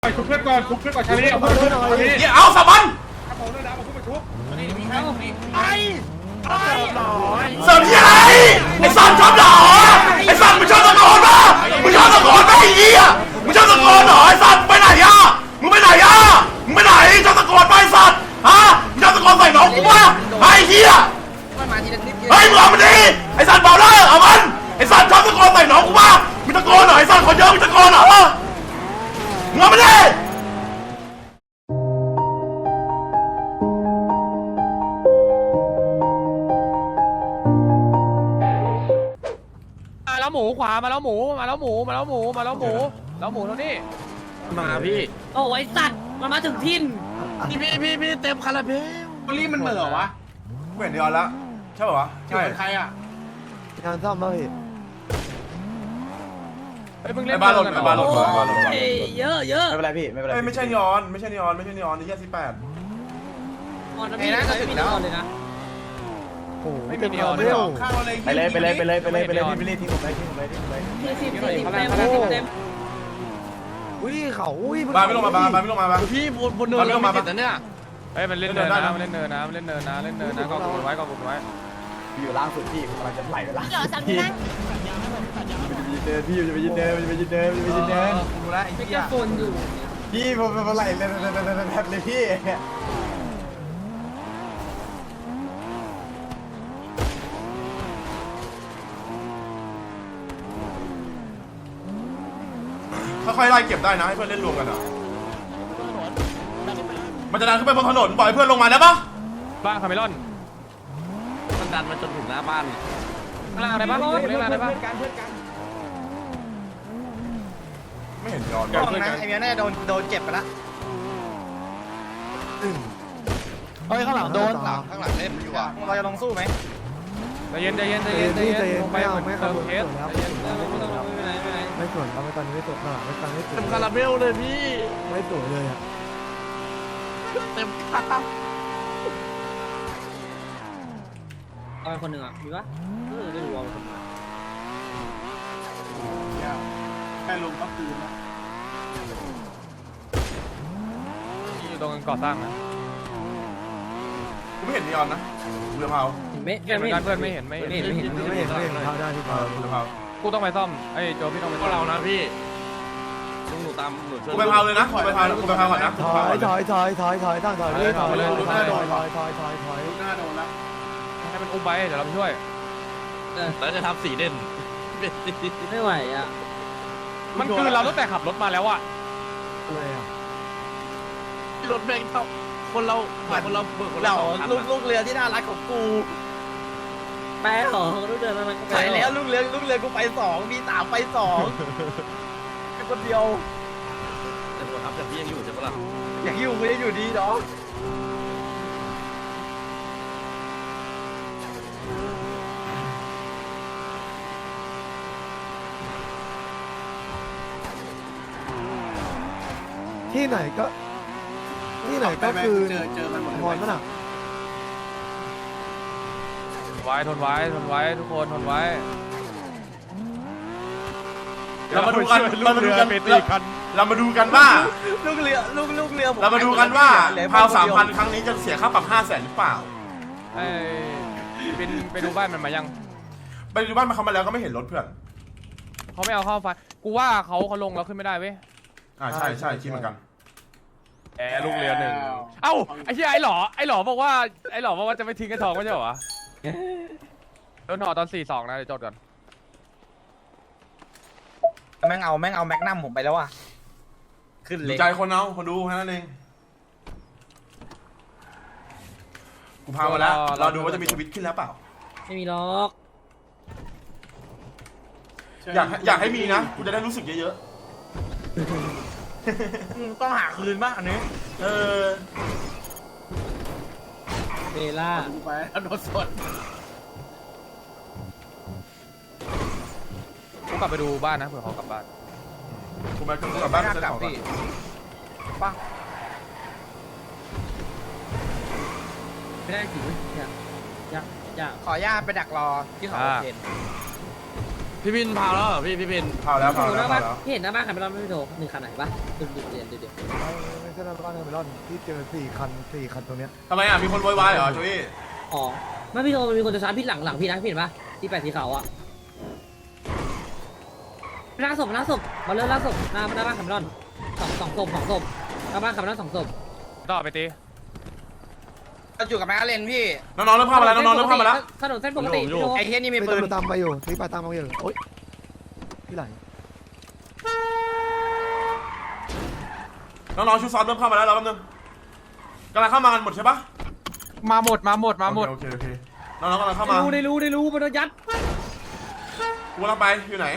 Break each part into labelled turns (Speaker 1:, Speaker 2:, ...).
Speaker 1: ชุบเพื่อนก่อนชุบเพื่อนก่อนชาลีเอาเพื่อนก่อนชาลี
Speaker 2: เอาสมัน
Speaker 1: เอาของเรื่องดาวมาชุบไปชุบ
Speaker 2: เสริมที่อะไรไอ้สันชอบเหรอไอ้สันมึงชอบตะโกนป่ะมึงชอบตะโกนป่ะไอ้เหี้ยมึงชอบตะโกนเหรอไอ้สันไปไหนอ่ะมึงไปไหนอ่ะมึงไปไหนชอบตะโกนป่ะไอ้สันฮะมึงชอบตะโกนใส่น้องกูป่ะไอ้เหี้ยเฮ้ยมึงเอามันดิไอ้สันเบาเลยเอามันไอ้สันชอบตะโกนใส่น้องกูป่ะมึงตะโกนเหรอไอ้สันคนเยอะมึงตะโกนเหรอมึงเอามันดิ
Speaker 3: มาแล้วหมูขวามาแล้วหมูมาแล้วหมูมาแล้วหมูมาแล้วหมูแล้วหมูตรงนี้
Speaker 2: มาพี่
Speaker 4: โอ้ยสัตว์มันมาถึงทิน
Speaker 2: พี่เต็มคาราเบล
Speaker 1: รีบมันเหม่อวะ
Speaker 2: เหมือนเดียวแล้วใช่ป่าวะ
Speaker 1: ใช่ใครอ่ะ
Speaker 5: งานซ่อมมาพี่
Speaker 3: ไอ้เพิ่งเล่น
Speaker 2: บ้านรถ
Speaker 3: กัน
Speaker 2: บ้านรถ
Speaker 4: โอ้ยเยอะเยอะ
Speaker 5: ไม่เป็นไรพี่ไม่เป็นไร
Speaker 2: ไม่ใช่นีออนไม่ใช่นีออนไม่ใช่นีออนนี่แค่18
Speaker 4: มอนพี่น่าจะถึงแล้วเลยนะ
Speaker 5: โอ้โห
Speaker 3: ไม่มีนีออน
Speaker 5: เร็ว
Speaker 1: ข้าวอะไร
Speaker 5: ไปเลยพี่ไม่รีทิ้งผมเลยทิ้งผมเลยทิ้งผมเลย
Speaker 4: 40เต็ม
Speaker 5: อุ้ยเขาอุ้ย
Speaker 2: บ้านไม่ลงมาบ้านไม่ลงมาบ้าน
Speaker 6: พี่บนเนินเราไม่ติดนะเนี่ย
Speaker 3: เฮ้ยมันเล่นเนินนะมันเล่นเนินนะมันเล่นเนินนะเล่นเนินนะก็กดไว้ก็กดไว้
Speaker 5: อยู่ล่างสุดพี่กำลังจะไหลไปล่าง
Speaker 7: เหรอสามนั่ง
Speaker 5: พี่จะไปยืนเดินพี่จะไปยืนเดินพี่จะไปยืนเดิน
Speaker 6: ดูแลไอ้
Speaker 4: ไม่
Speaker 6: เหี้
Speaker 4: ก
Speaker 6: ย
Speaker 4: ระโปนอยู่
Speaker 5: พี่ผมไหลเลยพี่
Speaker 2: ค่อยๆไล่เก็บได้นะให้เพื่อนเล่นรวมกันอ่ะมันจะดันขึ้นไปบนถนนปล่อยเพื่อนลงมาได้ปะ
Speaker 3: บ้านคาเมลอน
Speaker 6: มันดันมาจนถึงหน้าบ้าน
Speaker 3: ข้างล่างได้ปะเล่นล่างได้ปะ
Speaker 2: ไม่เห็นย้อน
Speaker 6: กล้องนะไอ้เมียน่าจะโดนเจ็บไปละ
Speaker 5: เฮ้ยข้างหลังโดน
Speaker 6: ข้างหลังเล่นอยู่อ่ะเราจะลงสู้ไหม
Speaker 3: ใจเย็นใจเย็นใจเย็นใจเย็นลงไปเหมือนเติมเคสใจเย็น
Speaker 5: ไม่สวนเอาไปตอนนี้ไม่สวนไม่ตอนนี้ไม่สว
Speaker 6: เต็
Speaker 5: น
Speaker 6: มคาราเบลเลยพี่
Speaker 5: ไม่สวยเลยอ่ะ
Speaker 6: เต็มคารา
Speaker 4: เอาไปคนหนึ่งอ่ะมีปะได้รู้ว่าคน
Speaker 1: แค่ลงก็คืนนะ
Speaker 3: อยู่ตรงก่อสร้างนะ
Speaker 2: กูไม่เห็นนีออนนะเรือเผา
Speaker 4: ไม่
Speaker 3: เห็นเหมือนกันเพื่อนไม่เห็นไม่เห็น
Speaker 5: ไม่เห็นเขาได้ที่เขา
Speaker 2: เรือเผา
Speaker 3: กูต้องไปซ่อมไอ้โจพี่ต้องไป
Speaker 6: พวกเรานะพี่หนูตามหนูช่วย
Speaker 2: กูไปเผาเลยนะกูไปเผาก่อนนะ
Speaker 5: ถอยตั้งถอยพี่ถอย
Speaker 1: หน้าโดนแล้ว
Speaker 3: ให้มันอุ้มไปเดี๋ยวเราไปช่วย
Speaker 6: แล้วจะทำสีเด่น
Speaker 4: ไม่ไหวอ่ะ
Speaker 3: มันคือเราตั้งแต่ขับรถมาแล้วอะ
Speaker 5: อะไรอ่ะ
Speaker 6: รถแม่งเท่าคนเราเบิกคนเราลูกเรือที่น่ารักของกู
Speaker 4: แป๊หรอรู้เดือนนั้น
Speaker 6: ใช่แล้วลูกเรือกูไป2มี3ไป2แค่คนเดียวแต่ผมครับแต่พี่ยังอยู่ใช่ปะล่ะอยากอยู่กูยังอยู่ดีเนาะ
Speaker 5: ที่ไหนก็คือพรมันอ่ะ
Speaker 3: ทนไว้ทุกคนทนไว้
Speaker 2: เรามาดูกันว่า
Speaker 6: ลูกเรือ
Speaker 2: เรามาดูกันว่า เผา3,000 ครั้งนี้จะเสียค่าปรับ500,000หรือเปล่า
Speaker 3: ไอ้ไปดูบ้านมันมายัง
Speaker 2: ไปดูบ้านมาเขามาแล้วก็ไม่เห็นรถเพื่อน
Speaker 3: เขาไม่เอาเข้าไฟกูว่าเขาลงแล้วขึ้นไม่ได้เว้ย
Speaker 2: ใช่คิดเหมือนกัน
Speaker 3: ลูกเรือหนึ่งเอ้าไอ้เหี้ยไอ้หล่อบอกว่าจะไม่ทิ้งไอ้ทองไม่ใช่เหรอวะโดนห่อตอน4-2นะเดี๋ยวจดก่อน
Speaker 6: แม่งเอาแม็กนัมผมไปแล้วอ่ะขึ้น
Speaker 2: อ
Speaker 6: เลย
Speaker 2: ยู่ใจคนเอาคนดูแค่นั้นเองกูพามาแล้วเราดูว่าจะมีชีวิตขึ้นแล้วเปล่า
Speaker 4: ไม่มีล็อก
Speaker 2: อยากให้มีนะกูจะได้รู้สึกเยอะ
Speaker 6: ต้องหาคืนบ้างอันนี้
Speaker 2: ๆเออ
Speaker 4: เบล่า
Speaker 1: ไปแล้วโดนสด
Speaker 3: กูกลับไปดูบ้านนะเผื่อเขากลับบ้าน
Speaker 2: กูไปกลับบ้านจะของก่อน
Speaker 4: ไม่ได้ถืออยาก
Speaker 6: ขออนุญาตไปดักรอที่เขาเห็นพี่บินพาแล้วเหรอพี่บิน
Speaker 2: เผาแล้ว
Speaker 4: โถ
Speaker 2: เผา
Speaker 4: ห
Speaker 2: แล้ว
Speaker 4: น้า
Speaker 2: เผา
Speaker 4: บ้าน
Speaker 2: แล้ว
Speaker 4: พี่เห็นหน้าบ้านใครไม่รอดไม่โถหนึ่งคันไหนปะดูเดี๋ยว
Speaker 5: ไม่ใช่หน้าบ้านเทอร์มินอลที่เจอ4 คันตรงเนี้ย
Speaker 2: ทำไมอ่ะมีคนโวยวายเหรอโจวี่
Speaker 4: อ๋อไม่พี่โถมันมีคนจะชาร์จพี่หลังพี่นะพี่เห็นปะที่แปดสีขาวอ่ะล่าศพมาเริ่มล่าศพหน้าบ้านคาร์เมลอนสองศพหน้าบ้านคาร์เมลอน2 ศพ
Speaker 3: ต่อไปตี
Speaker 6: เราอยู่กับแม็กเลนพี่
Speaker 2: น้องๆเริ่มเข้ามาแล้วน้องๆเริ่มเข้ามาแล้ว
Speaker 4: ถนนเส้นปกติพี่โถ
Speaker 6: ไอ้เฮียนี่มี
Speaker 5: ไม่
Speaker 6: ปืน
Speaker 5: ตามไปอยู่ที่ไปตามมาอยู่โอ๊ยพี่ไหล
Speaker 2: น้องๆชุดซ้อมเริ่มเข้ามาแล้วเราแป๊บนึงกำลังเข้ามากันหมดใช่ปะ
Speaker 3: มาหมด
Speaker 2: โอเคน้องๆกำลังเข้ามา
Speaker 4: ได้รู้มันโดนยัด
Speaker 2: กูกำลังไปอยู่ไหน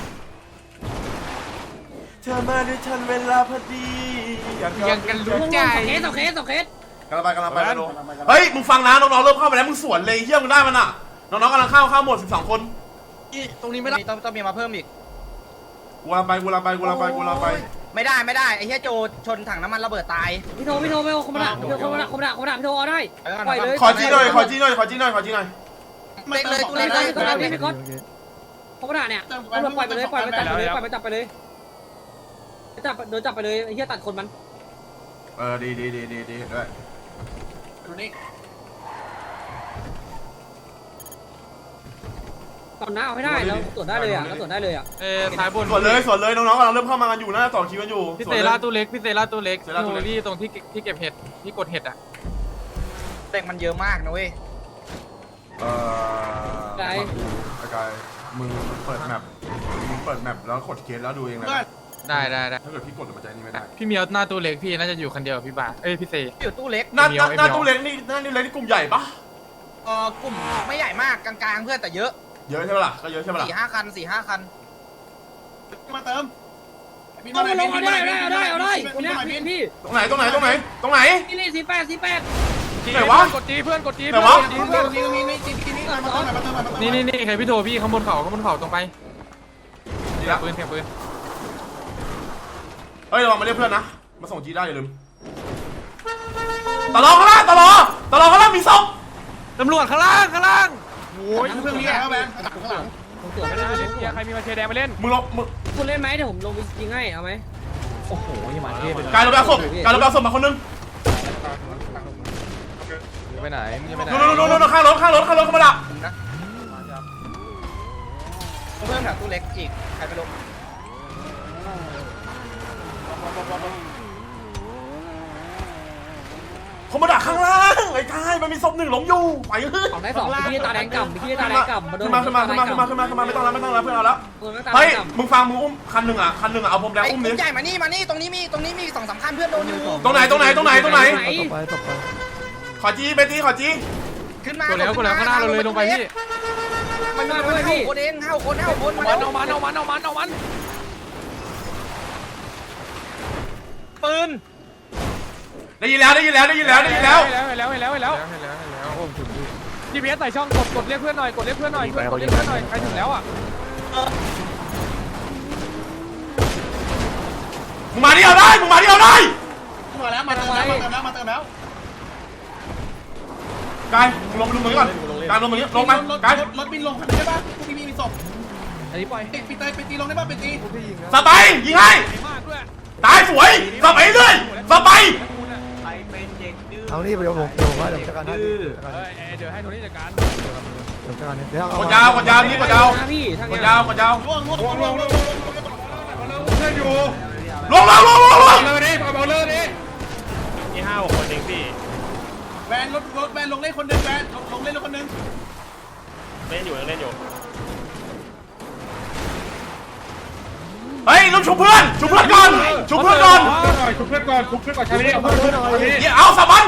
Speaker 2: เธอมาด้วยทันเวลาพอดียังกันรู้
Speaker 4: สองเคส
Speaker 2: กำลังไปแล้วเฮ้ยมึงฟังนะน้องๆเริ่มเข้ามาแล้วมึงสวนเลยเฮียมึงได้มันอ่ะน้องๆกำลังเข้าหมด12 คน
Speaker 6: ตรงนี้ไม่ได้ต้องมีมาเพิ่มอีก
Speaker 2: กูกำลังไป
Speaker 6: ไม่ได้ไอ้เฮียโจชนถังน้ำมันระเบิดตาย
Speaker 4: พี่โทไม่เอาคอมดาพี่โทเอาได้ปล่อยเลย
Speaker 2: ขอจี้หน่อย
Speaker 6: เลยตู้เล็ก
Speaker 4: คอมดาเนี่ยปล่อยไปเลยจับไปเลยโดนจับไปเลยไอ้เหี้ยตัดคนมัน
Speaker 2: ดีด้วย
Speaker 1: ดูนี่
Speaker 4: ก่อนหน้าเอาไม่ได้แล้วตรวจได้เลยอ่ะ
Speaker 3: ท้ายบน
Speaker 2: สวนเลยน้องๆกำลังเริ่มเข้ามากันอยู่น่าจะต่อคิวกันอยู่
Speaker 3: พี่เซล่าตู้เล็กที่ตรงที่เก็บเห็ดที่กดเห็ดอ่ะ
Speaker 6: เด็กมันเยอะมากนะเว้ย
Speaker 2: กายมึงเปิดแมปแล้วกดเคสแล้วดูเองเลย
Speaker 3: ได้
Speaker 2: ถ้าเกิดพี่กดมันจะนี่ไม่ได้
Speaker 3: พี่เมียวหน้าตู้เล็กพี่น่าจะอยู่คนเดียวพี่บาพี่เซ
Speaker 6: อยู่ตู้เล็ก
Speaker 2: หน้าตู้เล็กนี่เล็กนี่กลุ่มใหญ่ปะ
Speaker 6: กลุ่มไม่ใหญ่มากกลางๆเพื่อนแต่เยอะ
Speaker 2: เยอะใช่ปะล่ะก็เยอะใช่ปะล่ะ
Speaker 6: 4-5 คัน
Speaker 1: มาเติม
Speaker 4: เอาได้คนนี้พี่
Speaker 2: ตรงไหน
Speaker 4: นี่48
Speaker 2: ไหนวะ
Speaker 3: กดจีเพื่อนกดจี
Speaker 2: ไหนวะ
Speaker 1: ตรงนี้มาเติม
Speaker 3: นี่ใครพี่โทพี่ข้างบนเขาตรงไป
Speaker 2: ดีละ
Speaker 3: ปืนเสียงปืน
Speaker 2: เฮ้ยระวังมาเรียกเพื่อนนะมาส่งจีได้อย่าลืมตลอข้างล่างมีศพ
Speaker 3: ตำรวจข้างล่าง
Speaker 1: โอ้ยเครื่องนี้แล้วแบงข้างหลัง
Speaker 4: ผมตรวจไม่ได้
Speaker 3: ใครมีมาเชียร์แดงมาเล่น
Speaker 2: มึง
Speaker 4: คุณเล่นไหมเดี๋ยวผมลงไปยิงให้เอาไหม
Speaker 3: โอ้โหยังมาเท่เป็น
Speaker 2: กายลงไปเอาศพมาคนนึง
Speaker 3: ไปไหนมึงจะไปไหน
Speaker 2: นู่นข้างรถเข้ามาละ
Speaker 6: นะเพิ่มแถวตู้เล็กอีกใครไปลง
Speaker 2: เขามาดักข้างล่างไอ้กายมันมีศพหนึ่งหลงอยู่ไปเฮ้ย
Speaker 4: ของได้2พี่ตาแดงกำพี่ตาแดงกำมาโดน
Speaker 2: ขึ้นมาไม่ต้องแล้วเพื่อนเอาแล้วเฮ้ยมึงฟังมึงอุ้มคันหนึ่งอ่ะเอาผมแดง
Speaker 6: ไอ้
Speaker 2: อุ้ม
Speaker 6: กลุ่
Speaker 2: ดิ
Speaker 6: มใหญ่มานี่ตรงนี้มี2-3 คันเพื่อนโดนอยู่
Speaker 2: ตรงไหน
Speaker 5: ตบไป
Speaker 2: ขอจี้เบตี้ขอจี้
Speaker 6: ขึ้นมา
Speaker 3: กดแล้วข้างหน้าเราเลยลงไปพี่
Speaker 6: มัน5 คนเอง5 คน
Speaker 3: เอามัน
Speaker 6: ปืน
Speaker 2: ได้ยินแล้ว
Speaker 3: เห็นแล้วโอ้ถึงพี่พีเอสใส่ช่องกดเรียกเพื่อนหน่อยกดเรียกเพื่อนหน่อยใครถึงแล้วอ่ะ
Speaker 2: มึงมาที่เอาได้
Speaker 1: มาแล้วมาเติมแล้ว
Speaker 2: กายมึงลงมือก่อนกายลงมือลงไปกาย
Speaker 1: รถบินลงคันนี้ได้ป่ะพี่มีศพ
Speaker 3: อันนี้ปล่อย
Speaker 1: ไปตีลงได้ป่ะไปตี
Speaker 5: พี่ยิงนะ
Speaker 2: สไปยิงให้
Speaker 3: มากด้วย
Speaker 2: ตายสวยสไปเรื่อยสไป
Speaker 5: เอานี่เดี๋ยวผมว่าเดี๋ยวจัดการให้
Speaker 3: เดี๋ยวให้โทนี่จัดการ
Speaker 5: เดี๋ยวจัดการเดี๋ยว
Speaker 2: กดยาวนี่กดยาว
Speaker 4: พี่ทาง
Speaker 2: ก
Speaker 4: นี้
Speaker 2: ดยาว
Speaker 1: ล่วง
Speaker 2: เพื่อนอยู่ลงเลยดิ
Speaker 3: นี่5 คนเองพี่
Speaker 1: แวนรถแวนลงเล่นคนนึงแวนลงเล่นคนนึง
Speaker 3: เล่นอยู่
Speaker 2: เฮ้ยลุกชุบเพื่อนก่อนชุบเพื่อนก่อนชาลีเอาสับมัน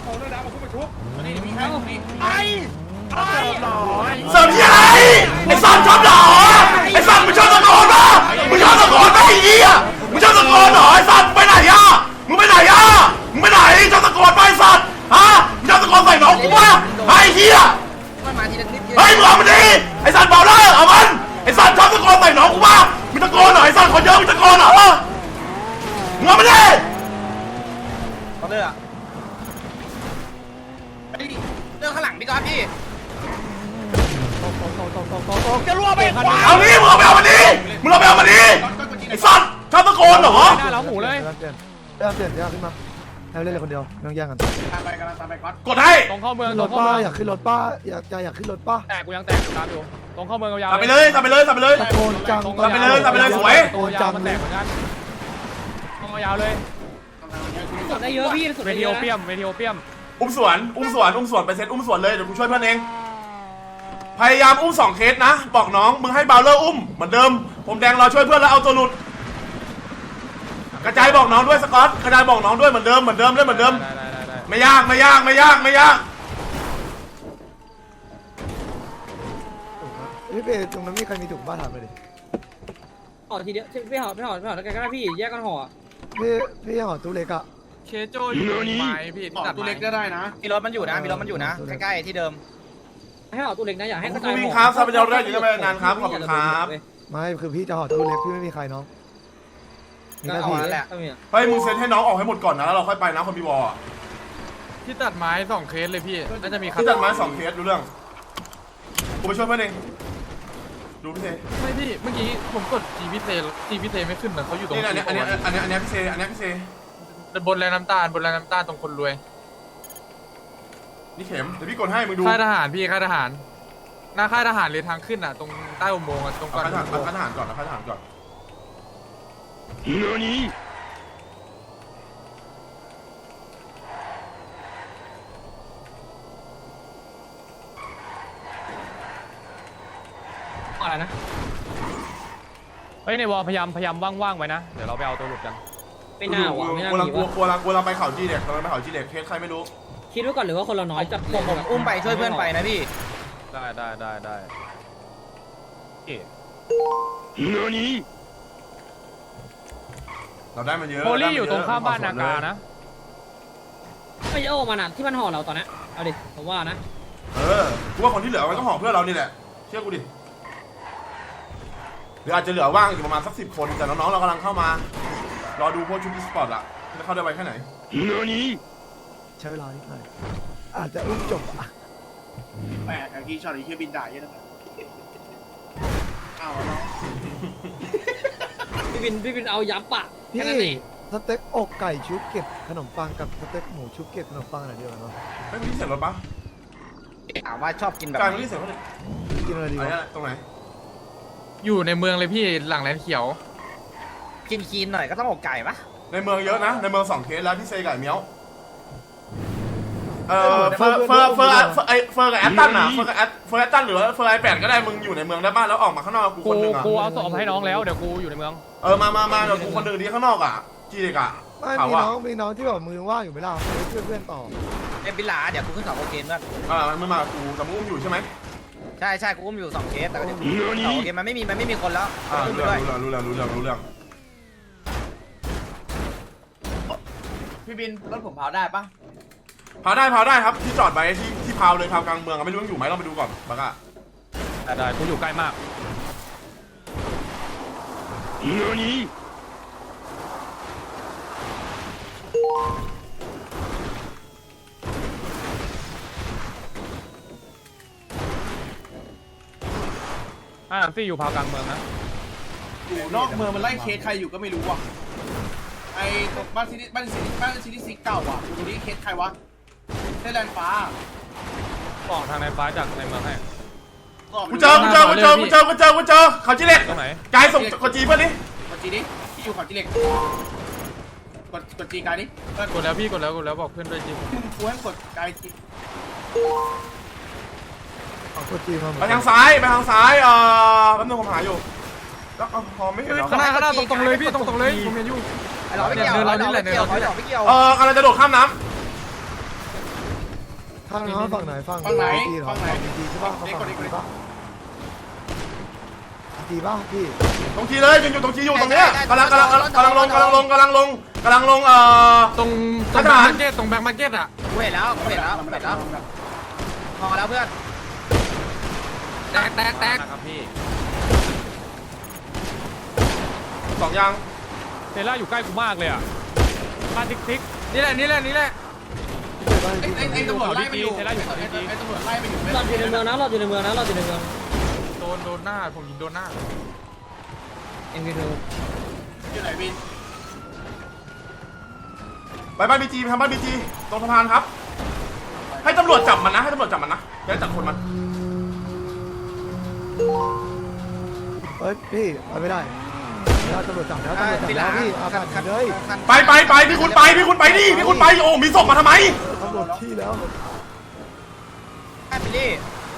Speaker 2: เสริมที่อะไรไอ้สันชอบหรอไอ้สันมึงชอบตะโกนป่ะมึงชอบตะโกนป่ะไอ้เหี้ยมึงชอบตะโกนเหรอไอ้สันไปไหนอ่ะมึงไปไหนชอบตะโกนป่ะไอ้สันฮะมึงชอบตะโกนใส่น้องกูป่ะไอ้เหี้ย
Speaker 6: มันมาทีละนิด
Speaker 2: เฮ้ยมึงเอามันดิไอ้สันเบาเลยเอามันไอ้สันชอบตะโกนใส่น้องกูป่ะมึงตะโกนเหรอไอ้สันคนเยอะมึงตะโกนเหรอมึงเอามันดิ
Speaker 6: เขาเลือกเรื่องข้างหลังพี่ก๊อฟพี่จะรั่วไปควาย
Speaker 2: เอางี้มึงเอาไปเอามันนี้มึงเอาไปเอามันนี้ไอ้สัตว์ชอบตะโกนเหรอ
Speaker 3: หน้าเล้าหมูเลย
Speaker 5: เปลี่ยนขึ้นมาให้เล่นเลยคนเดียวไม่ต้องแย่งกัน
Speaker 1: ตามไปกำลังตามไปก๊อต
Speaker 2: กดให้
Speaker 3: ตรงเข้าเมือง
Speaker 5: ขึ้น
Speaker 3: ต
Speaker 5: ร
Speaker 3: รง
Speaker 5: ถ
Speaker 3: เข้า
Speaker 5: ป้า
Speaker 3: เมือง
Speaker 5: อยากขึ้นรถป้าอยากขึ้นรถป้า
Speaker 3: แตกกูยังแตกตามอยู่ตรงเข้าเมืองยาว
Speaker 2: ทำไปเลยทำไปเลยทำไปเลย
Speaker 5: ตะโกนจัง
Speaker 2: ทำไปเลยทำไปเลยสวย
Speaker 5: ตะโกนจัง
Speaker 3: มัน
Speaker 5: เล
Speaker 3: แต
Speaker 5: ย
Speaker 3: กเหมือนกันตรงยาวเลย
Speaker 4: สุดได้เยอะพี่สุด
Speaker 3: เว
Speaker 4: ได้
Speaker 3: ที
Speaker 4: เย
Speaker 3: โอ
Speaker 4: อะ
Speaker 3: เปียมเวทีโอเปียม
Speaker 2: อุ้มสวนไปเซตอุ้มสวนเลยเดี๋ยวกูช่วยเพื่อนเองพยายามอุ้ม2เคสนะบอกน้องมึงให้เบลเลอร์อุ้มเหมือนเดิมผมแดงรอช่วยเพื่อนแล้วเอาตัวหลุดกระจายบอกน้องด้วยสกอตกระจายบอกน้องด้วยเหมือนเดิมเล่นเหมือนเดิม
Speaker 3: ได้
Speaker 2: ไม่ยาก
Speaker 5: พี่เป้ตรงนั้นมีใครมีถุงบ้าถามไปดิ
Speaker 4: ห่อทีเดียวไม่ห่อแล้วกันก็ได้พี่แยกกันห่อ
Speaker 5: พี่ห่อตู้เล็กอะ
Speaker 3: เคโจอยู่ไม้พี่
Speaker 1: ต่อตัวเล็กก็ได้นะ
Speaker 6: มีรถมันอยู่นะใกล้ๆที่เดิม
Speaker 4: ให้ห่อตู้เล็กนะอย่าให้กระ
Speaker 2: คุ
Speaker 4: จาย
Speaker 2: ณ
Speaker 4: ห่
Speaker 2: วิ่ง
Speaker 4: อ
Speaker 2: ครับทรัพยากรแรกอยู่ในงานครับขอบคุณครับ
Speaker 5: ไม่คือพี่จะห่อตู้เล็กพี่ไม่มีใครน้องมี
Speaker 4: ก็
Speaker 5: แค่
Speaker 4: เอา
Speaker 5: พี่
Speaker 4: แหละ
Speaker 2: เฮ้ยมึงเซ็นให้น้องออกให้หมดก่อนนะแล้วเราค่อยไปนะคนมีวอล
Speaker 3: ที่ตัดไม้2เคสเลยพี่น่าจะมี
Speaker 2: ที่จัดมา2เคสดูเรื่องกูไปช่วยเพื่อนเองดูพี่เซ
Speaker 7: ไม่พี่เมื่อกี้ผมกดจีพิเศษไม่ขึ้นนะเขาอยู่ตรง
Speaker 2: นี่อันนี้พี่เซ
Speaker 7: บนแรงน้ำตาลตรงคนรวย
Speaker 2: นี่เข็มเดี๋ยวพี่กดให้มึงดู
Speaker 7: ค่ายทหารพี่ค่ายทหารหน้าค่ายทหารเลยทางขึ้นอ่ะตรงใต้อุโมงค์อ่ะตรงก่อน
Speaker 2: เอาทหารก่อน
Speaker 4: อะไรนะ
Speaker 3: เฮ้ยในวอลพยายามว่างๆไว้นะเดี๋ยวเราไปเอาตัวหลุดกัน
Speaker 4: ไม่น่าหวังไม่น่า
Speaker 2: กู
Speaker 4: มี
Speaker 2: กลัวเราไปเขาจีเด็กเคสใครไม่รู้
Speaker 4: คิดไว้ก่อนหรือว่าคนเราน้อยจัด
Speaker 6: ผมอุ้มไปช่วยเพื่อนไปนะพี่
Speaker 3: ได้
Speaker 2: เราได้มาเยอะ
Speaker 3: โพลี่อยู่ตรงข้ามบ้านนากานะ
Speaker 4: ไม่โอ้มันอ่ะที่มันห่อเราตอนนี้เอาดิผมว่านะ
Speaker 2: กูว่าคนที่เหลือมันก็ห่อเพื่อเรานี่แหละเชื่อกูดิหรืออาจจะเหลือว่างอยู่ประมาณสัก10 คนแต่น้องๆเรากำลังเข้ามารอดูพวกชุดอีสปอร์ตอะจะเข้าได้ไวแค่ไหน
Speaker 5: ใช้เวลานิดหน่อยอาจจะอุ้มจบอะ
Speaker 1: แปลกไอ้ที่ช็อตไอ้ที่บินได้เยอะนะอ้าวน้อง
Speaker 4: พี่บินเอายับปะ
Speaker 5: พี่
Speaker 4: แค่นั้นเอง
Speaker 5: สเต็กอกไก่ชุบเก็บขนมปังกับสเต็กหมูชุบเก็บขนมปังอะไรเดียวกันเนาะ
Speaker 2: ไม่มีเสียงรถปะ
Speaker 6: ถามว่าชอบกินแบบ
Speaker 2: กาย
Speaker 6: ไห
Speaker 2: ไม่
Speaker 6: น
Speaker 2: มีเสียงรถเลย
Speaker 5: กินอะไรดี
Speaker 2: อัน
Speaker 5: วะ
Speaker 2: นี้ตรงไหน
Speaker 7: อยู่ในเมืองเลยพี่หลังแลนเขียว
Speaker 6: กินหน่อยก็ต้องอกไก่ปะ
Speaker 2: ในเมืองเยอะนะในเมือง2 เคสแล้วพี่เซกับเมียวเฟอร์กับแอตตันอะเฟอร์แอตตันหรือว่าเฟอร์ไอ8ก็ได้มึงอยู่ในเมืองได้บ้านแล้วออกมาข้างนอกกูคนหนึ่งอะ
Speaker 3: กูเอาศพให้น้องแล้วเดี๋ยวกูอยู่ในเมือง
Speaker 2: มาเดี๋ยวกูคนหนึ่งดีข้างนอกอะจีเด็กอะ
Speaker 5: ไม่
Speaker 2: ถาม
Speaker 5: มี
Speaker 2: ว่า
Speaker 5: น้องที่แบบมือว่างอยู่ไหมล่ะไปช่วยเพื่อนต่อ
Speaker 6: เอ็มบิลาเดี๋ยวกูขึ้น2โอเคเพื่อน
Speaker 2: มันไม่มากูแต่มึงอุ้มอยู่ใช่ไหม
Speaker 6: ใช่กูอุ้มอยู่2เคสแต่ก็เดี๋ยว2โอเคมันไม่มีคนแล้วขึ้นไป
Speaker 2: รู้
Speaker 6: ด้วย
Speaker 2: เรื่อง
Speaker 1: พี่บินรถผมเผาได้ปะ
Speaker 2: เผาได้ครับที่จอดไว้ที่พาวเลยพาวกลางเมืองไม่รู้ยังอยู่ไหมเราไปดูก่อนบักอะ
Speaker 3: ได้กูอยู่ใกล้มากซี่อยู่พาวกลางเมืองนะ
Speaker 1: อยู่นอกเมืองมันไล่เคสใครอยู่ก็ไม่รู้อ่ะไอ้บ้านซิตี้ซิกเก่าอ่ะอยู่นี่เคสใครวะได้แลนด์ฟ้า
Speaker 3: บอกทางในฟ้าจากในเมืองให้
Speaker 2: กูเจอเขาจีเล็ก
Speaker 3: ตรงไหน
Speaker 2: กายส่งกดจีเพื่อนดิ
Speaker 1: กดจีดิที่อยู่เขาจีเล็กกดจีกายดิ
Speaker 7: กดแล้วพี่กดแล้วบอกเพื่อนด้วยจริง
Speaker 1: กูให้กดกายจี
Speaker 5: เอาตัวจีมาเหมือน
Speaker 2: ไป
Speaker 5: กัน
Speaker 2: ทางซ้ายแป๊บนึงผมหาอยู่แล้วพอไม่เห็นเหรอ
Speaker 7: ข้างหน้าตรงเลยพี่ตรงเลยผมเห็นอยู่
Speaker 6: ไอ้หลอดไม่เกี่ยวไอ้หลอดไม่เกี่ยว
Speaker 2: กำลังจะโดดข้ามน้
Speaker 5: ข้างน้องฝั่งไหนฝั่งจีเหรอฝั่งจีใช่ป่ะเขาฝั่งจีป่ะจีป่ะพี่
Speaker 2: ำตรงจีเลยยังอยู่ตรงจีอยู่ตรงเนี้ยกำลังลง
Speaker 7: ตรงแบ็คมาร์เก็ตตรงแบ็คมาร์เก็ตอ่ะ
Speaker 6: กูเห็นแล้วพอแล้วเพื่อน
Speaker 7: แตก
Speaker 3: นะครับพี่
Speaker 2: 2ยาง
Speaker 3: เซล่าอยู่ใกล้กูมากเลยอ่ะบ้านทิก
Speaker 7: นี่แหละ
Speaker 1: ไอ้ตำรวจไล่ไปอยู่ไอ้ตำรวจไล่ไปอยู่
Speaker 4: เราอยู่ในเมืองนะ
Speaker 7: โดนหน้าผมยิงโดนหน้า
Speaker 4: เอ็มพีทู
Speaker 1: อยู่ไหนบิน
Speaker 2: ไปบ้านบีจีไปทำบ้านบีจีตรงสะพานครับ ให้ตำรวจจับมันนะให้ตำรวจจับมันนะจะได้จับคนมัน
Speaker 5: เฮ้ยพี่ไปไม่ได้ตำรวจจับแล้วตำรวจจับแล้วพี่อาการเลย
Speaker 2: ไปพี่คุณไปพี่คุณไปดิพี่คุณไปโอ้มีศพมาทำไม
Speaker 5: ตำรวจที่แล้ว
Speaker 6: บิลลี่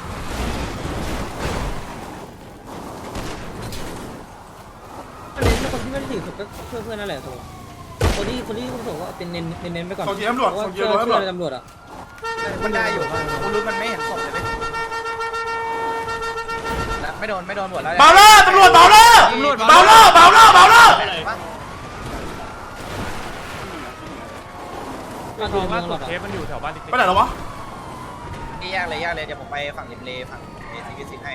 Speaker 4: เน้นคนที่ไม่ได้ถือศพก็เพื่อนนั่นแหละตัวคนที่ผมบอกว่าเป็นเน้นไปก่อน
Speaker 2: ส่งเกียร์ตำรวจส่งเกียร์รถตำรวจ
Speaker 4: ตำรวจอ่ะ
Speaker 6: มันได้อยู่กูรู้มันไม่เห็นศพเลยไม่โดนหมดแล้ว
Speaker 2: เบาเลอร์ตำรวจเบาเลอร์เบาเลอร์เบาเลอร์เบาเลอร์
Speaker 4: มา
Speaker 3: ท
Speaker 4: ดู
Speaker 3: อง
Speaker 4: เมื
Speaker 3: ล่า
Speaker 4: อง
Speaker 3: สุ
Speaker 4: หล
Speaker 3: ด
Speaker 4: อด
Speaker 3: เคสมันอยู่แถวบ้านติ๊ก
Speaker 2: ไปไหนแล้ววะ
Speaker 6: แยกเลยเดี๋ยวผมไปฝั่งริมเลฝั่งเอซิกิซิให้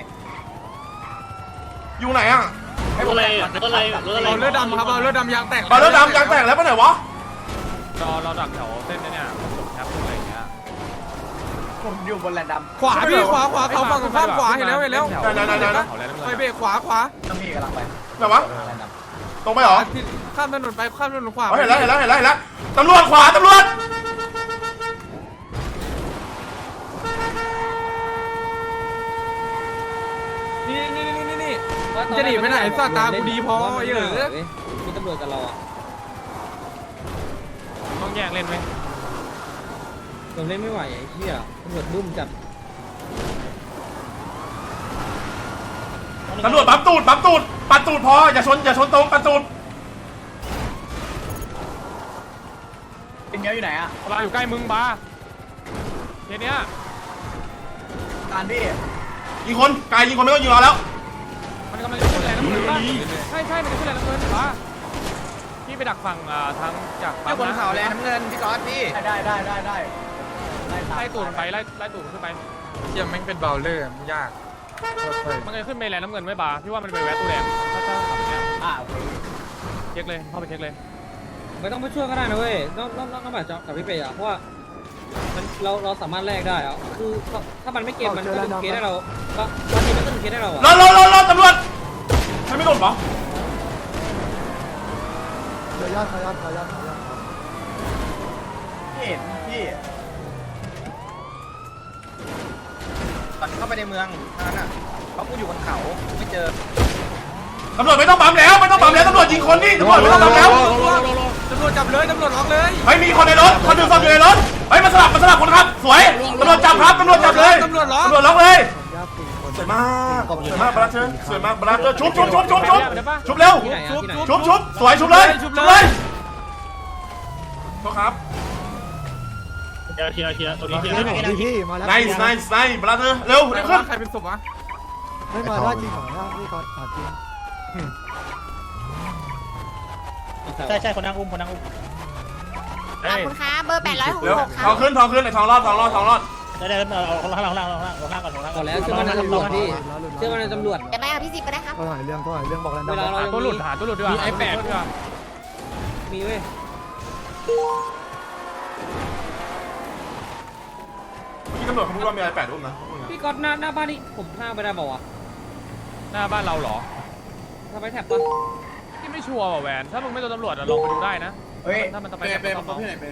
Speaker 2: อยู่ไหนอ่ะ
Speaker 7: เอาเลือดดำครับเอาเลือดดำยางแตก
Speaker 2: เบาเลอร์ดำยางแตกแล้วไปไหนวะ
Speaker 3: เราดักแถวเส้นเนี่ยแคปอะไรอย่างเงี้ย
Speaker 6: ผมอยู่บนแลนด์ด
Speaker 7: ขวาพี่ขวาเขาฝั่งข้ามขวาเห็นแล้ว
Speaker 3: เขาแล้ว
Speaker 7: ไปเบรกขวา
Speaker 6: ำต้องมีกำลังไป
Speaker 2: ไหนวะ
Speaker 6: แลนด์ด
Speaker 2: ตรงไปเหรอ
Speaker 7: ข้ามถนนไปข้ามถนนขวา
Speaker 2: เห็นแล้วตำรวจขวาตำรวจ
Speaker 7: นี่จะหนีไปไหนสตาร์กูดีพอเยอะ
Speaker 4: มีตำรวจกับเราอ่ะ
Speaker 3: ต้องแยกเล่นไหม
Speaker 4: ผมเล่นไม่ไหวไอ้เหี้ยตำรวจดุ้มจัด
Speaker 2: ตำรวจปั๊มตูดปัดตูดพออย่าชนตรงปัดตูด
Speaker 6: ำเป็นเงี้ยอยู่ไหนอ่ะ
Speaker 3: เราอยู่ใกล้มึงบ้าเคสเนี้ย
Speaker 6: ตานพี่
Speaker 2: ยิงคนกายยิงคนไม่ต้องยิงเราแล้ว
Speaker 3: มันกำลังจะขึ้นแรงน้ำเงินป่ะใช่มันจะขึ้นแรงน้ำเงินป่ะพี่ไปดักฝั่งทางจาก
Speaker 6: เจ้าบนเขาแลนด์น้ำเงินพี่ก๊อตพี่ได้
Speaker 3: ไล่ตูดมันไปไล่ตูดมันขึ้นไป
Speaker 7: เชี่ยแม่งเป็นเบลเลอร์มันยาก
Speaker 3: มันจะขึ้นเมลแลนด์น้ำเงินไม่บาพี่ว่ามันไปแวะตู้แดงถ้าขับเนี้ยเช็คเลยเข้าไปเช็คเลย
Speaker 4: ไม่ต้องไปช่วยก็ได้นะเว้ยต้องแบบกับพี่เปย์อ่ะเพราะว่ามันเราสามารถแลกได้อ่ะคือถ้ามันไม่เกมมันก็เป็นเคสได้เราก็บางทีมันก็เป็นเคสได้เราอ่ะ
Speaker 2: รอตำรวจไม่โดนปะ
Speaker 5: เดี๋ยวญาติขยัน
Speaker 6: พี่เห็นพี่ตอนเข้าไปในเมืองนั่นน่ะเพราะกูอยู่บนเขาไม่เจอ
Speaker 2: ตำรวจไม่ต้องปั๊มแล้วตำรวจยิงคนนี่ตำรวจไม่ต้องปั๊มแล้ว
Speaker 7: ตำรวจจับเลยตำรวจล็อกเลย
Speaker 2: เฮ้ยมีคนในรถคนหนึ่งซ่อมอยู่ในรถเฮ้ยมาสลับคนครับสวยตำรวจจับครับตำรวจจับเลย
Speaker 7: ตำรวจล็อก
Speaker 2: ตำรวจล็อกเลย
Speaker 5: ญาติ4คน
Speaker 2: สวยมากบราเธอร์สวยมากบราเธอร์ชุบเร็ว
Speaker 4: ที่ไหนอ่ะที่ไหน
Speaker 2: ชุบสวยชุบเลยโทษครับ
Speaker 5: พี่มาแล้ว
Speaker 2: nice บราเธอร์เร็วเร็วขึ้น
Speaker 7: ใครเป็นศพวะ
Speaker 5: ไม่มาได้จริงเหรอพี่ก่อนถามจริง
Speaker 6: ใช่คนนั่งอุ้ม
Speaker 8: ขอบคุณครับเบอร์
Speaker 2: เร็ว
Speaker 8: 866ค
Speaker 2: ท
Speaker 8: รั
Speaker 2: อบ งขึ้นไอ้ทองรอด
Speaker 6: ได้เอาข้างล่างก่อน
Speaker 4: ก่อนแล้วเชื่อมันในตำรวจพี่เชื่อมันในตำรวจ
Speaker 8: จะได้เอาพี่สิบก็ได้ครับ
Speaker 5: ก็ถ่ายเรื่องบอกแล้ว
Speaker 4: เวลาเรา
Speaker 3: หาตัวหลุดดีกว่า
Speaker 7: มีไอ้แปด
Speaker 3: ดีกว่า
Speaker 4: มีเว้ย
Speaker 2: พี่ตำรวจเขาพูดว่ามีอะไร8 อุ้มนะ
Speaker 4: พี่ก๊อตหน้าบ้านนี่ผมห้ามไปได้เปล่าวะ
Speaker 3: หน้าบ้านเราเหรอ
Speaker 4: ทำไมแท็บปะ
Speaker 3: ที่ไม่ชัวร์ว่ะแวนถ้ามึงไม่โดนตำรวจลองไปดูได้นะ
Speaker 6: เฮ้ย
Speaker 3: ถ้ามันจะไป
Speaker 1: เป็นมาพี่ไหนเป็น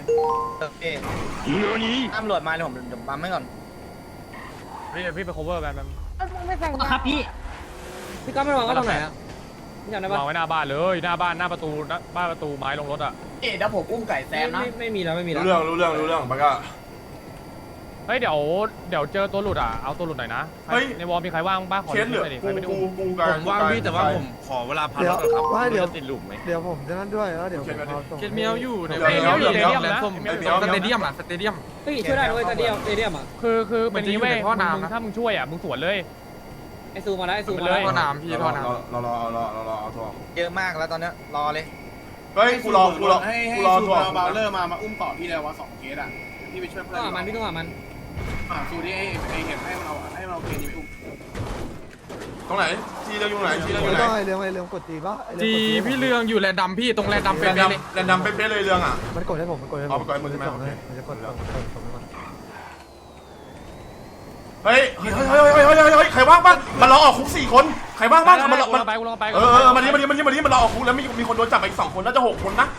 Speaker 6: ตำรวจมาเลยผมปั๊มให้ก่อน
Speaker 3: พี่ไป cover แวน
Speaker 4: ครับพี่ก๊อตไม่วางก็ตรงไหนอ่ะพี่จำได้ปะ
Speaker 3: วางไว้หน้าบ้านเลยหน้าประตูไม้ลงรถอ่ะ
Speaker 6: เดี๋ยวผมอุ้มไก่แซมนะ
Speaker 4: ไม่มีแล้วไม่มีแล้ว
Speaker 2: รู้เรื่องปะก็
Speaker 3: เฮ้ยเดี๋ยวเจอตัวหลุดอ่ะเอาตัวหลุดหน่อยนะในวอลมีใครว่างบ้างขอ
Speaker 2: เคสเหลือ
Speaker 3: ใครไม่ได้อุ้ม
Speaker 2: กูกัน
Speaker 7: ผมว่างพี่แต่ว่าผมขอเวลาพัก
Speaker 5: เดี๋ยว
Speaker 7: ก่อนครับ
Speaker 5: ว่าเดี๋ยว
Speaker 7: ติดหลุมไหม
Speaker 5: เดี๋ยวผมจะนั่นด้วยแล้วเดี๋ยวผมเอาส่ง
Speaker 7: เกตเมียวอยู่ใน
Speaker 2: เดี๋ยว
Speaker 7: สเตเดียมสเตเดียม
Speaker 4: เฮ้ยช่วยได้ด้วยตาเดียวอ่ะ
Speaker 3: คือเป็นนี้เว้ย
Speaker 7: มันจะอยู่ในท่อน้ำนะ
Speaker 3: ถ้ามึงช่วยอ่ะมึงสวนเลย
Speaker 4: ไอซูมาแล้วไอซูมา
Speaker 3: เล
Speaker 4: แล้ว
Speaker 3: ย
Speaker 7: ท่อน้ำพี่ท่อน้ำ
Speaker 2: รอเอาทอง
Speaker 6: เยอะมากแล้วตอนนี้รอเลย
Speaker 2: เฮ้ยกูรอ
Speaker 1: ให้
Speaker 2: กูรอ
Speaker 1: ซู
Speaker 2: ทอง
Speaker 1: เบลเลอร์มาอุ้มต่อพี่แล้วว่า2เคสอ่ะพี่ไปช่วยเพื่
Speaker 4: ต้
Speaker 1: อ
Speaker 4: องหามันพี่ต้องหามัน
Speaker 1: ซูที่ไอเห็นให้มันเอาเคสนี้ไปอุ้ม
Speaker 2: ตรงไหนทีเรื่องอยู่ไหน
Speaker 5: ไม่ต้องให้เรื่องกดตีป่ะ
Speaker 7: จีพี่เรืองอยู่แลนด์ดำพี่ตรงแลนด์ดำเป็นเลย
Speaker 2: แรนดำเป๊ะเลยเรื่องอ่ะ
Speaker 5: มันกดให้ผมมันกดให้ผม
Speaker 2: เอาไปกดให้มึงใช่ไหม
Speaker 5: มันจะกด
Speaker 2: เฮ้ยใครว่างบ้างมันรอออกคุก4 คนใครว่างบ้างมันรอ
Speaker 3: กูลงไปกูลงไป
Speaker 2: มันรอออกคุกแล้วมีคนโดนจับไปอีก2 คนน่าจะ6 คนนะ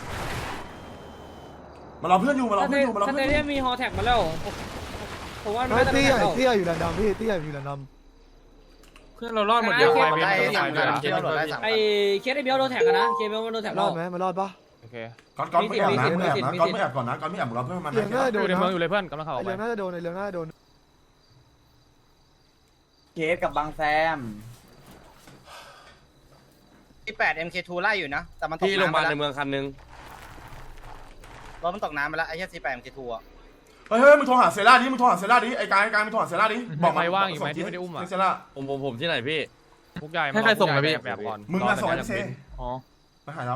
Speaker 2: มันรอเพื่อนอยู่มันรอ
Speaker 4: ถ้า
Speaker 2: เพื่อนอยู่มันรอ
Speaker 4: ถ้า
Speaker 2: เพื่อนอ
Speaker 4: เนี้
Speaker 2: ยู่
Speaker 4: ยมีฮอแท็กมาแล้วผมว่า
Speaker 5: เตี้ยอยู่แลนด์ดำพี่เตี้ยอยู่แลนด์ด
Speaker 7: เพื่อนเรารอดหมดยัง
Speaker 3: ไป
Speaker 7: ไป
Speaker 3: ไป
Speaker 7: ไป
Speaker 3: ไป
Speaker 7: ไป
Speaker 3: ไป
Speaker 6: เที่ยวรถได้3
Speaker 4: ไอ้เคสไอ้เบลโดนแท็กกันนะเคสเบลโดนแท็ก
Speaker 5: ำรอดไหมมันรอดปะ
Speaker 3: โอเค
Speaker 2: ก่อนไม่แอบนะก่อนไม่แอบก่อนนะก่อนไม่แอบรอเพื่อนมัน
Speaker 5: เรื่องน่าจะโด
Speaker 3: อน ยู่ใน
Speaker 5: นะ
Speaker 3: เมืองอยู่เลยเพื่อนกำลังเข้า
Speaker 5: ไอ
Speaker 3: ไป
Speaker 5: เรื่องน่าจะโดนไอเรื่องน่าจะโดน
Speaker 6: เกสกับบางแซมที่8 MK2 ไล่อยู่นะแต่มันตก
Speaker 7: ที่โรงพยาบาลใน
Speaker 6: น้ำ
Speaker 7: เมืองคันนึง
Speaker 6: รถมันตกน้ำไปแล้วไอ้ที่8 MK2 อ่ะ
Speaker 2: เฮ้ยมึงโทรหาเซล่าดิมึงโทรหาเซล่าดิไอ้กายมึงโทรหาเซล่าดิ
Speaker 3: ใครว่างอยู่ไหมที่ไม่ได้อุ้มอ่ะ
Speaker 2: เซล่า
Speaker 7: ผมที่ไหนพี่
Speaker 3: พวกใหญ่
Speaker 7: ให้ใครส่งนะพี่
Speaker 3: แบบก่อน
Speaker 2: มึงมาส่งไอ้เซ
Speaker 7: อ๋อ
Speaker 2: มาหาเรา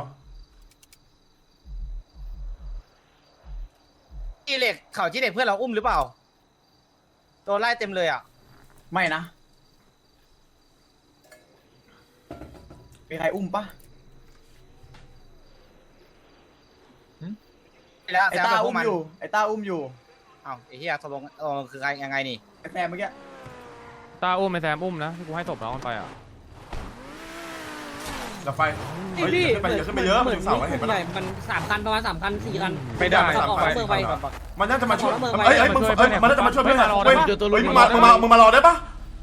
Speaker 6: ที่เหล็กเขาที่เหล็กเพื่อนเราอุ้มหรือเปล่าโดนไล่เต็มเลยอ่ะไม่นะมีใครอุ้มปะแล้วไอ้ตาอุ้มอยู่ไอ้ตาอุ้มอยู่อ้าวไอ้เหี้ยตกลงคือใครยังไงนี่ไอ้แซมเมื่อกี้
Speaker 3: ตาอุ้มไอ้แซมอุ้มนะที่กูให้ศพน้องมันไปอ่ะ
Speaker 2: ดับไฟเฮ้ยขึ้นไปเยอะมันถึงเสาเห็นปะ
Speaker 4: ใหญ่มัน3 คันประมาณ3 คัน 4 คัน
Speaker 3: ไม่ได้
Speaker 4: ออกเมืองไป
Speaker 2: มันน่าจะมาช่วยมันน่าจะมาช่วยเพื่อนเฮ้ยมึงมารอได้ปะ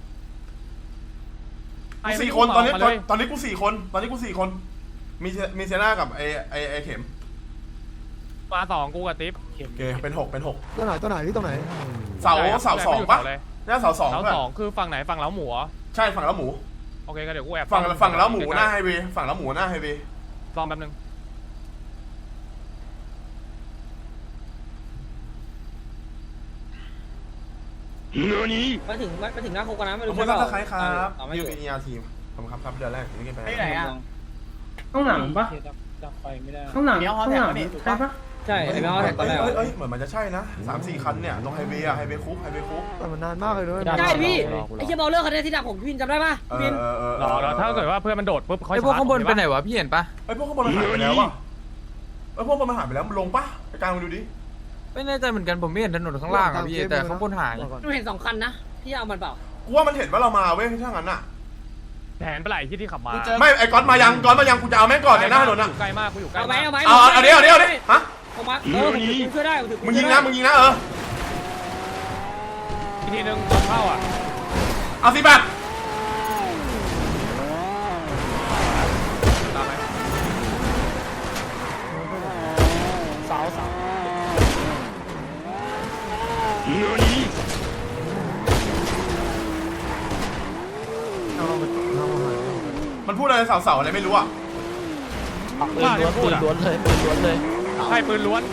Speaker 2: 4 คนตอนนี้กู4 คนตอนนี้กู4 คนมีเซน่ากับไอเข็ม
Speaker 3: มา2กูกับติ๊บ
Speaker 2: โอเคเป็น6
Speaker 5: ตัวไหนพี่ตรงไหน
Speaker 2: เสา2ปะเนี่ยเสา2
Speaker 3: เสา2คือฝั่งไหนฝั่งเล้าหมูเหรอ
Speaker 2: ใช่ฝั่งแล้วหมู
Speaker 3: โอเคก็เดี๋ยวกูแอบ
Speaker 2: ฝั่งแล้วหมูหน้าไฮเวย์ฝั่งแล้วหมูหน้าไฮเวย์
Speaker 3: ลองแป๊บนึง
Speaker 4: มาถึงหน้าคุกกันนะไม่
Speaker 2: ขอ
Speaker 4: รู้
Speaker 2: บคุณ
Speaker 4: ใช่
Speaker 2: มาก
Speaker 4: เปล่า
Speaker 2: ครับ
Speaker 4: ไม่
Speaker 2: ยู
Speaker 4: อยู่
Speaker 2: เป็นERทีมขอบคุณครับเดือนแรกนี่ไป
Speaker 6: ไหนอ่ะ
Speaker 4: ข้างหลังปะจับไปไม่ได้ข้างหลัง
Speaker 6: เดี๋ยวฮอแท็กนี่ถูกปะ
Speaker 4: ใช่ไอ้เบลแท็กตอนแรก
Speaker 2: เอ้ยเหมือนมันจะใช่นะ3-4 คันเนี่ยตรงไฮเวย์อะไฮเวย์คุก
Speaker 5: แต่มันนานมากเลยด้วย
Speaker 4: ใช่พี่ไอ้เชี่ยเบลเลอร์คันนี้ที่ดักผมพี่วินจำได้ปะพี่วิน
Speaker 3: รอถ้าเกิดว่าเพื่อนมันโดดปุ๊บเขา
Speaker 7: ไอพวกข้างบนไปไหนวะพี่เห็นปะ
Speaker 2: ไอ้พวกข้างบนมันหายไปแล้วว่ะพวกมันหายไปแล้วมันลงปะไอ้กลางมาดูดิ
Speaker 7: ไม่แน่ใจเหมือนกันผมไม่เห็นถนนข้างล่างอ่ะพี่แต่ข้างบนหาย
Speaker 4: หนูเห็น2 คันนะพี่เอามันเปล่า
Speaker 2: กูว่ามันเห็นว่าเรามาเว้ยถ้างั้นอะ
Speaker 3: แผนปลาไหลที่ขับมา
Speaker 2: ไม่ไอ้ก๊อตมายังกูจะเอาแม่งก่อนเนี่ยหน้าถนนอะ
Speaker 3: ใกล้มากกูอยู่ใกล้
Speaker 4: เอาไหมเอาไหม
Speaker 2: เอาเดี๋ยวฮะ
Speaker 4: ผมมาผมช่วยได้
Speaker 2: มึงยิงนะ
Speaker 3: อีกทีนึงเข้าอ่ะ
Speaker 2: เอาสิแบบ
Speaker 3: ตามไหม
Speaker 4: เสา
Speaker 2: มันพูดอะไรเสาอะไรไม่รู้อะ
Speaker 3: ว่าเนี่ยพูดอ่ะ
Speaker 6: ล้วนเลย
Speaker 3: ใช่ปืนล้วน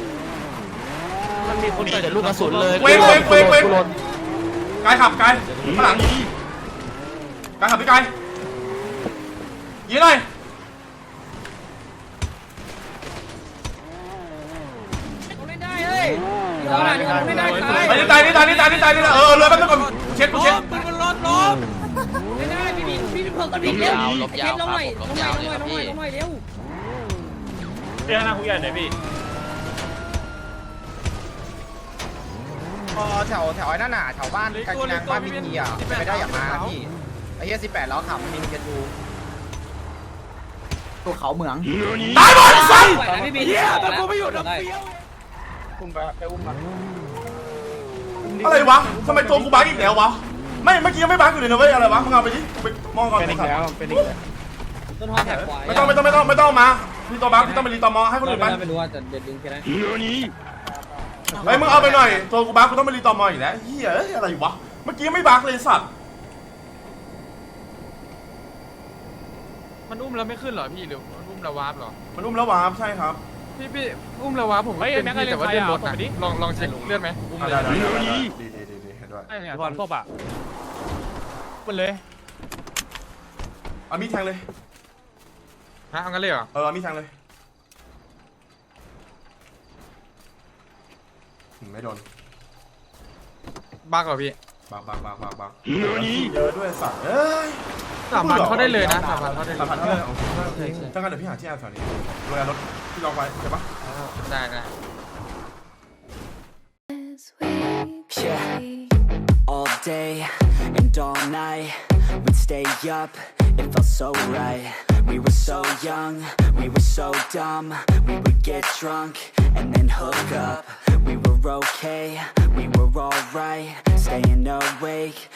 Speaker 6: มันมีคนแต่ลูกกระสุนเลย
Speaker 2: เว้งกายขับกายข้างหลังกายขับพี่กายยิงหน่อย
Speaker 4: เล่นได้เฮ้ยเล่นได้
Speaker 2: ไปนี่ตายเลยแป๊บนึงก่อนเช็ด
Speaker 7: ปืนมันรถ
Speaker 4: เล่นได้พี่เพิ่มกันพี่เร็วเช็ดลงหน่อยเร็ว
Speaker 3: เรื่องหน้าคุกใหญ่ไหนพี่
Speaker 6: พอแถวไอ้นั่นน่ะแถวบ้านกากินังบ้านมิกีอ่ะไปได้อย่ามาพี่ไอ้เหี้ย18ล้อขับมันมีMK2ตัวเขาเหมือง
Speaker 2: ตายหมดสัตว์
Speaker 4: พี่บี
Speaker 7: แต่กูไม่อยู่ดับเบี้ยว
Speaker 6: อุ้มไปอุ้มมา
Speaker 2: อะไรวะทำไมตัวกูบั๊กอีกแล้ววะไม่เมื่อกี้ยังไม่บั๊กอยู่เลยนะเว้ยอะไรวะมึงเอาไปดิไปมองก่อน
Speaker 6: เป็นอีกแล้ว
Speaker 4: ต้นหอแถบขวา
Speaker 2: ไม่ต้องมาพี่ตัวบั๊กพี่ต้องไปรีตอมอให้คนอื่นไป
Speaker 4: ไม่รู้ว่าจะเด็ดดึงแค่ไหน
Speaker 2: เฮ้ยมึงเอาไปหน่อยตัวกูบั๊กกูต้องไปรีตอมออีกแล้วเฮียอะไรวะเมื่อกี้ไม่บั๊กเลยสัตว์
Speaker 7: มันอุ้มแล้วไม่ขึ้นเหรอพี่หรือมันอุ้มแล้ววาร์ปเหรอ
Speaker 2: มันอุ้มแล้ววาร์ปใช่ครับ
Speaker 7: พี่อุ้มแล้ววาร์ปผมเป็นพี่แต่ว่าเลื่อนรถนะลองเช็คเลื่อนไหมอุ้มเลย
Speaker 2: ได้ดีเห็นด้วย
Speaker 3: ไอ้เนี่ยศพอ่ะมันเลย
Speaker 2: เอามีดแทงเลย
Speaker 7: ฮะเอางั้นเลยเหรอ
Speaker 2: เอามีดแทงเลยไม่โดน
Speaker 7: บักเหรอพี่
Speaker 2: บักเยอะด้วยสัตว์เอ้ย
Speaker 7: 3,000เขาได้เลยนะ3,000เขาได้เลย
Speaker 2: 3,000เท่าไหร่ถ้างั้นเดี๋ยวพี่หาที่แถวนี้โรยรถพี่ลองไว้โอเคปะ
Speaker 7: ได้
Speaker 9: Yeah, all day and all night. We'd stay up, it felt so right. We were so young, we were so dumb. We would get drunk and then hook up. We were okay, we were alright. Staying awake